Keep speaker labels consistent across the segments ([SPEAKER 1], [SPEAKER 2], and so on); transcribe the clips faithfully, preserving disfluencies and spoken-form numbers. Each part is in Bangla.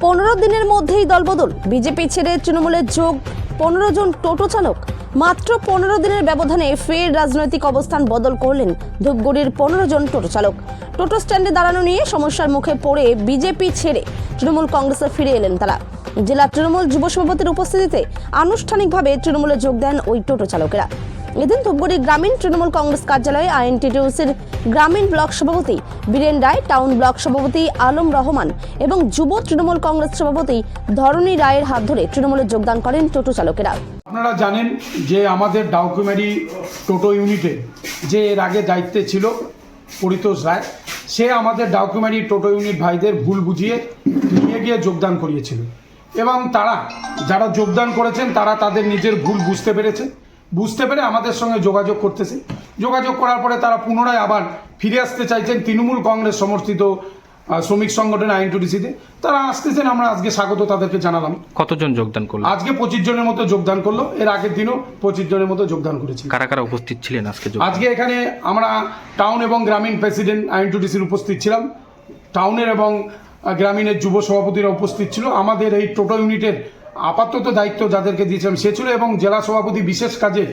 [SPEAKER 1] পনেরো দিনের মধ্যেই দলবদল, বিজেপি ছেড়ে তৃণমূলের যোগ পনেরো জন টোটো চালক। মাত্র পনেরো দিনের ব্যবধানে ফের রাজনৈতিক অবস্থান বদল করলেন ধূপগুড়ির পনেরো জন টোটো চালক। টোটো স্ট্যান্ডে দাঁড়ানো নিয়ে সমস্যার মুখে পড়ে বিজেপি ছেড়ে তৃণমূল কংগ্রেসে ফিরে এলেন তারা। জেলা তৃণমূল যুব সভাপতির উপস্থিতিতে আনুষ্ঠানিকভাবে তৃণমূলে যোগ দেন ওই টোটো চালকেরা। এদিন ধূপগুড়ি গ্রামীণ তৃণমূল কংগ্রেস কার্যালয়ে আইএনটিটিউসির গ্রামীণ ব্লক সভাপতি বীরেন রায়, টাউন ব্লক সভাপতি আলম রহমান এবং যুব তৃণমূল কংগ্রেস সভাপতি ধরণী রায়ের হাত ধরে তৃণমূলে যোগদান করেন টোটো চালকেরা।
[SPEAKER 2] আপনারা জানেন যে আমাদের ডাউকুমারি টোটো ইউনিটে যে এর আগে দায়িত্বে ছিল পরিতোষ রায়, সে আমাদের ডাউকুমারি টোটো ইউনিট ভাইদের ভুল বুঝিয়ে নিয়ে গিয়ে যোগদান করিয়েছিল এবং তারা যারা যোগদান করেছেন তারা তাদের নিজের ভুল বুঝতে পেরেছে বুঝতে পেরে আমাদের সঙ্গে যোগাযোগ করতেছে। যোগাযোগ করার পরে তারা পুনরায় আবার ফিরে আসতে চাইছেন তৃণমূল কংগ্রেস সমর্থিত শ্রমিক সংগঠন আইএনটিটিউসিতে। তারা আসতেছেন, আমরা আজকে স্বাগত তাদেরকে জানালাম।
[SPEAKER 3] কতজন যোগদান করলো?
[SPEAKER 2] আজকে পঁচিশ জনের মতো যোগদান করলো। এর আগের দিনও পঁচিশ জনের মতো যোগদান করেছি।
[SPEAKER 3] কারা কারা উপস্থিত ছিলেন আজকে?
[SPEAKER 2] আজকে এখানে আমরা টাউন এবং গ্রামীণ প্রেসিডেন্ট আইএনটিটিউসির উপস্থিত ছিলাম, টাউনের এবং গ্রামীণের যুব সভাপতিরা উপস্থিত ছিল। আমাদের এই টোটো ইউনিটের আপাতত দায়িত্ব যাদেরকে দিয়েছিলাম সে ছিল, এবং জেলা সভাপতি বিশেষ কাজে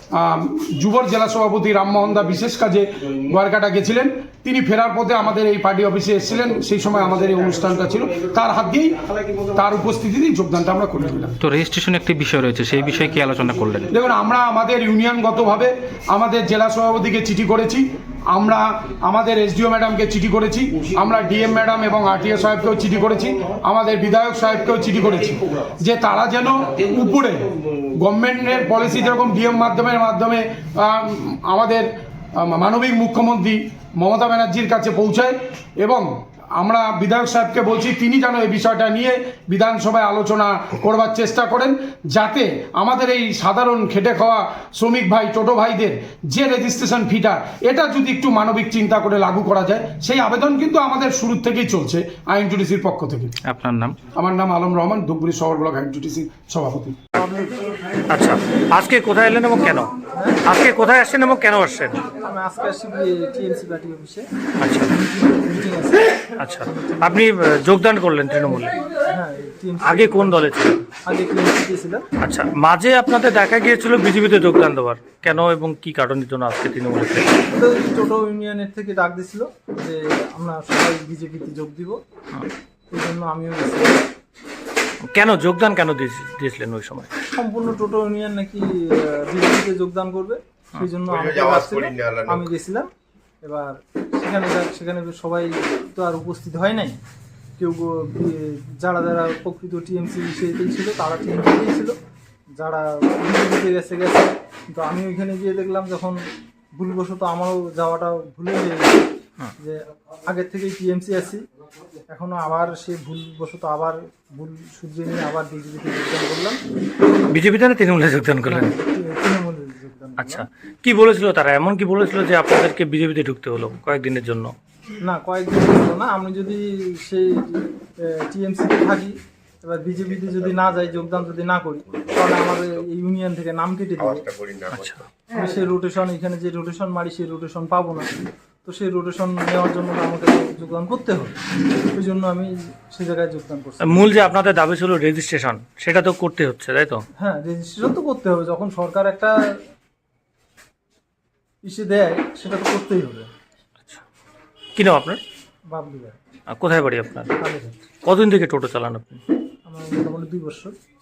[SPEAKER 2] যুবর জেলা সভাপতি রামমোহন দা বিশেষ কাজে গোয়ারকাটা গেছিলেন। তিনি ফেরার পথে আমাদের এই পার্টি অফিসে এসেছিলেন, সেই সময় আমাদের এই অনুষ্ঠানটা ছিল। তার হাত দিয়েই তার উপস্থিতিতেই যোগদানটা আমরা করে দিলাম।
[SPEAKER 3] তো রেজিস্ট্রেশন একটি বিষয় রয়েছে, সেই বিষয়ে কি আলোচনা করলেন?
[SPEAKER 2] দেখুন, আমরা আমাদের ইউনিয়নগতভাবে আমাদের জেলা সভাপতিকে চিঠি করেছি, আমরা আমাদের এসডিও ম্যাডামকে চিঠি করেছি, আমরা ডিএম ম্যাডাম এবং আরটিএ সাহেবকেও চিঠি করেছি, আমাদের বিধায়ক সাহেবকেও চিঠি করেছি যে তারা যেন উপরে গভর্নমেন্টের পলিসি যেরকম ডিএম মাধ্যমের মাধ্যমে আমাদের মানবিক মুখ্যমন্ত্রী মমতা ব্যানার্জির কাছে পৌঁছায়, এবং আমরা বিধায়ক সাহেবকে বলছি তিনি যেন এই বিষয়টা নিয়ে বিধানসভায় আলোচনা করবার চেষ্টা করেন, যাতে আমাদের এই সাধারণ খেটে খাওয়া শ্রমিক ভাই টোটো ভাইদের যে রেজিস্ট্রেশন ফিটা, এটা যদি একটু মানবিক চিন্তা করে লাগু করা যায়, সেই আবেদন কিন্তু আমাদের শুরু থেকেই চলছে আইএনটিটিউসির পক্ষ থেকে।
[SPEAKER 3] আপনার নাম?
[SPEAKER 2] আমার নাম আলম রহমান, ধূপগুড়ি শহর ব্লক আইএনটিটিউসির সভাপতি।
[SPEAKER 4] আচ্ছা, আজকে কোথায় এলেন এবং কেন? আজকে কোথায় আসছেন এবং কেন আসছেন?
[SPEAKER 5] আমি আজকে আসছি টিএমসি পার্টি অফিসে।
[SPEAKER 4] আচ্ছা আচ্ছা, আপনি যোগদান করলেন তৃণমূলে?
[SPEAKER 5] হ্যাঁ, টিএমসি।
[SPEAKER 4] আগে কোন দলে ছিলেন?
[SPEAKER 5] আগে টিএমসিতে ছিলাম।
[SPEAKER 4] আচ্ছা, মাঝে আপনাদের দেখা গিয়েছিল বিজেপিতে যোগদান দেওয়ার, কেন এবং কি কারণের জন্য আজকে তৃণমূলে?
[SPEAKER 5] তো টোটো ইউনিয়নের থেকে ডাক দিছিল যে আমরা সবাই বিজেপিতে যোগ দিব, এই জন্য আমিও গেছিলাম।
[SPEAKER 4] কেন যোগদান কেন দিয়েছিলেন ওই সময়?
[SPEAKER 5] সম্পূর্ণ টোটো ইউনিয়ন নাকি বিজেপিতে যোগদান করবে, সেই জন্য আমি গেছিলাম। এবার সেখানে সেখানে সবাই তো আর উপস্থিত হয় নাই, কেউ যারা যারা প্রকৃত টিএমসি বিষয়তেই ছিল তারা টিএমসিতেই ছিল, যারা বিজেপিতে গেছে গেছে। কিন্তু আমি ওইখানে গিয়ে দেখলাম যখন ভুলবশত আমারও যাওয়াটা ভুলে হয়ে গেছে, যে আগের থেকেই টিএমসি আছি, এখনো আবার সেই ভুলবশত আবার ভুল সূর্যে নিয়ে আবার বিজেপিতে যোগদান করলাম।
[SPEAKER 4] বিজেপিতে না তৃণমূলে যোগদান করলেন?
[SPEAKER 5] তৃণমূলে যোগদান।
[SPEAKER 4] আচ্ছা, কি বলেছিল তারা? এমন কি বলেছিল যে আপনাদেরকে বিজেপিতে ঢুকতে হলো কয়েকদিনের জন্য?
[SPEAKER 5] না, কয়েকদিন হলো না। আমি যদি সেই টিএমসিতে থাকি, এবার বিজেপিতে যদি না যাই, যোগদান যদি না করি, তাহলে আমাদের এই ইউনিয়ন থেকে নাম কেটে দেবে।
[SPEAKER 4] আচ্ছা,
[SPEAKER 5] আমি সেই রোটেশন, এখানে যে রোটেশন মারি সেই রোটেশন পাবো না। তো সেই রোটেশন নেওয়ার জন্য আমাকে যোগদান করতে হবে, ওই জন্য আমি সেই জায়গায় যোগদান করছি।
[SPEAKER 4] মূল যে আপনাদের দাবি ছিল রেজিস্ট্রেশন, সেটা তো করতে হচ্ছে, তাই তো?
[SPEAKER 5] হ্যাঁ, রেজিস্ট্রেশন তো করতে হবে। যখন সরকার একটা ইসে দেয় সেটা তো করতেই হবে।
[SPEAKER 4] আচ্ছা, কি নাম আপনার?
[SPEAKER 5] বাবলু ভাই।
[SPEAKER 4] কোথায় বাড়ি আপনার?
[SPEAKER 5] কালীঘাট।
[SPEAKER 4] কতদিন থেকে টোটো চালান আপনি?
[SPEAKER 5] আমার মোটামুটি দুই বছর।